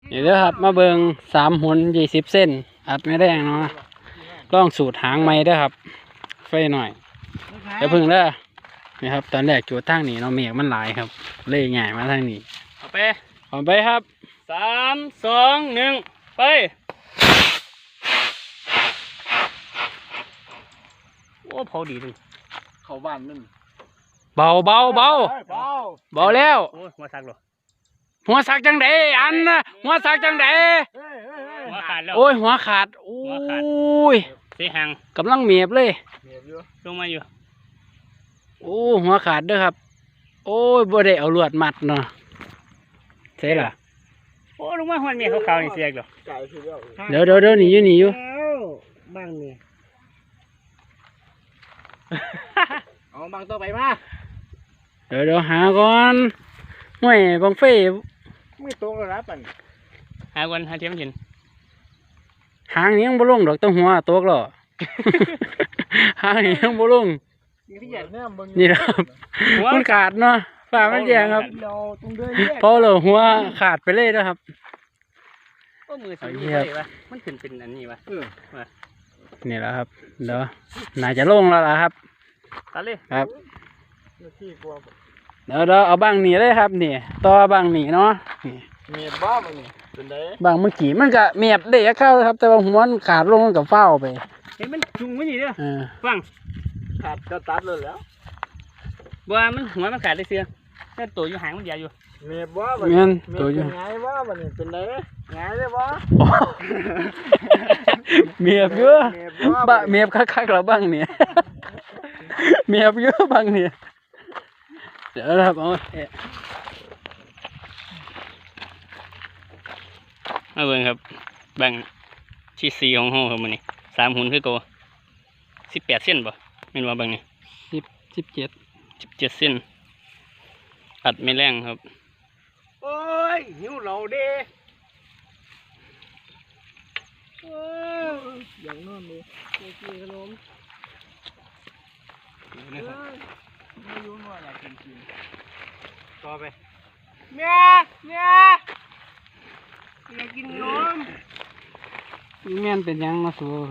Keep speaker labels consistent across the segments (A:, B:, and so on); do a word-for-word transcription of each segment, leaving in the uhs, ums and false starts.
A: นี่เด้อครับมาเบิงสามหุ่นยี่สิบเส้นอัดไม่แรงเนาะลองสูตรหางไม้เด้อครับไฟหน่อยเดี๋ยวพึ่งเด้อนี่ครับตอนแรกจุดทางนี้เนาะเมฆมันหลายครับเล่ยใหญ่มาทางนี้เอาไปเอาไปครับสามสองหนึ่งไปโอ้เผาดีเลยเข้าบ้านนั่นเบาเบาเบาเบาเบาแล้วโอ้หัวซักหรอหัวสักจังไดอันนะหัวสักจังไดหัวขาดแล้วโอ้ยหัวขาดโอ้ยเสียหังกำลังเมียบเลยลงมาอยู่โอ้หัวขาดเด้อครับโอ้ยบ่ได้เอาลวดมัดเนาะใช่ล่ะโอ้ลงมาหัวเมียเขาขาวนี่เสียกหรอเดี๋ยวเดี๋ยวเดี๋ยวหนีอยู่หนีอยู่บ้างนี่เอาบางตัวไปมาเดี๋ยวเดี๋ยวหาก่อนห่วยบังเฟ่ไม่ตรงแล้วนะปั่นหาวันหาเทียมเห็นหางนี้ยังบ่ลงดอกต้องหัวตกหรอ หางนี้ยังบ่ลงนี่ครับมันขาดเนาะฝ่ามันแยงครับพอเลยหัวขาดไปเลยนะครับก็มือสีนี้เลยวะมันขึ้นเป็นอันนี้วะนี่แหละครับเดี๋ยวน่าจะลงแล้วล่ะครับตัดเลยครับเดี๋ยวเราเอาบางหนีเลยครับนี่ต่อบางหนีเนาะเมียบบ้ามันนี่เป็นไงบางเมื่อกี้มันก็เมียบเด็กเข้าครับแต่ว่าหัวมันขาดลงกับเฝ้าไปเห็นมันจุงไม่ดีเด้อฟังขาดก็ตัดเลยแล้วบัวมันหัวมันขาดได้เสียแต่ตัวอยู่หางมันใหญ่อยู่เมียบบ้ามันเมียนตัวอยู่ไงบ้ามันนี่เป็นไงไงเลยบ้าเมียบเยอะบ้าเมียบคักๆเราบ้างเนี่ยเมียบเยอะบ้างเนี่ยเดี๋ยวนะครับเอาเอาเบิ่งครับแบ่งที่สี่ของห้องครับมันนี่สามหุ่นคือโกสิบแปดเส้นป่ะไม่รู้ว่าแบ่งนี่สิบสิบเจ็ดสิบเจ็ดเส้นอัดไม่แรงครับโอ้ยหิวเราเด้โอ้ยอย่างนอนเลยกินขนมไม่รู้ว่าอยากกินกินต่อไปเมียเมียอยากกินนมเมียนเป็นยังมาสู้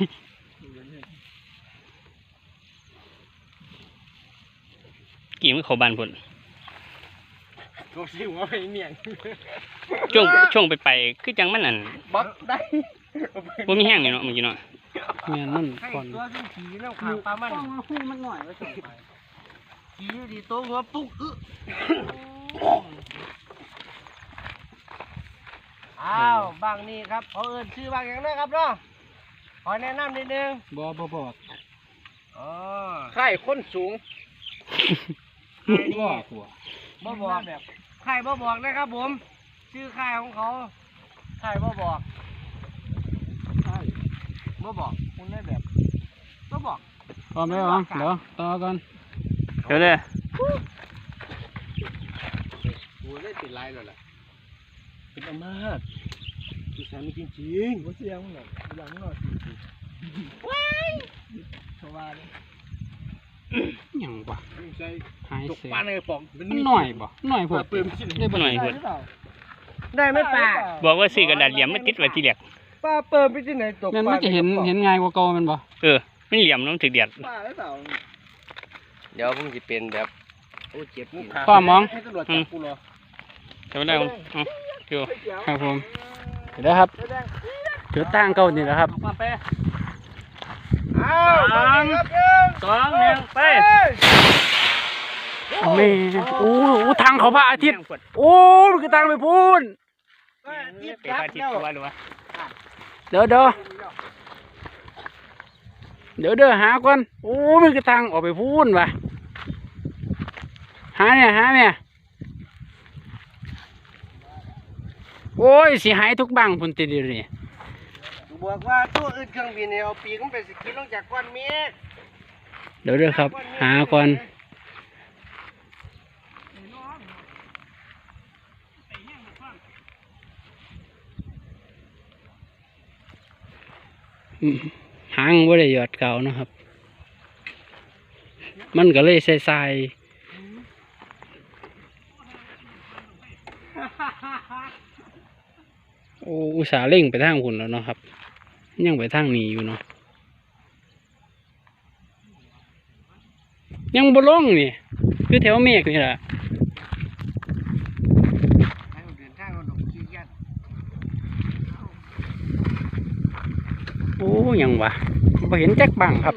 A: กี่มือเขาบานผลก็สิว่าไปเมียนช่วงช่วงไปไปคือจังมันนั่นบักได้ว่ามีแห้งนี่เนาะเมื่อกี้เนาะเมียนนั่นก่อนตัวที่ขี่แล้วขาปลามันหูมันหน่อยว่าส่งไปขี่ดีโตหัวปุ๊กอึอ้าวบางนี่ครับเขาเอิ้นชื่อบางอย่างนะครับเนาะขอแนะนำนิดนึงบ่บ่บอกอ๋อค่ายคนสูงค่ายบ่หัวบ่บอกแบบค่ายบ่บอกนะครับผมชื่อค่ายของเขาค่ายบ่บอกค่ายบ่บอกคุณได้แบบบ่บอกพร้อมแล้วเดี๋ยวต่อกันเดี๋ยวเลยโอ้ยได้ติดลายเลยแหละเป็นอำนาจคือแสนจริงจริงว่าเสียงมันแบบอย่างนั้นหน่อยว้ายชาวบ้านยังวะหายเสียงหน่อยบ่หน่อยพวกได้บ่หน่อยพวกได้ไหมป้าบอกว่าซื้อกระดาษเหลี่ยมไม่ติดไว้ที่เหลียกป้าเปิดไปที่ไหนตกมันจะเห็นเห็นง่ายกว่าเก่ามันบ่เออไม่เหลี่ยมน้ำถึกเดียดเดี๋ยวผมจะเป็นแบบโอ้เจ็บข้อมองจำได้ไหมครับผมเดี๋ยวครับเดี๋ยวตั้งเก่านี่แหละครับสามสองหนึ่งไปเมย์โอ้โหทางเขาพระอาทิตย์โอ้มันคือทางไปพูนเดี๋ยวเดี๋ยวเดี๋ยวเดี๋ยวหาก่อนโอ้มันคือทางออกไปพูนว่ะหาเนี่ยหาเนี่ยโอ้ยสิหายทุกบังพุ่นติดเลยบอกว่าตัวอื่นเครื่องบินเนี่ยเอาปีกมันเป็นสกิลลงจากก้อนเมฆเดี๋ยวเดี๋ยวครับหาก่อนหางว่าได้หยอดเก่านะครับมันก็เลยใส่
B: โอ้อุตส่าห์เร่งไปทางคุณแล้วเนาะครับยังไปทางนี้อยู่เนาะยังบ่ลงนี่คือแถวเมฆนี่แหละโอ้ยังวะบ่เห็นจักบังครับ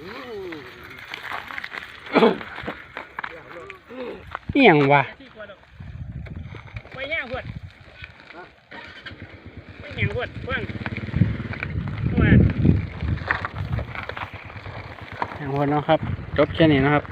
B: นี่ยังวะไปย่างพวดไปย่างพวดเพิ่งมาย่างพวดเนาะครับจบแค่นี้นะครับ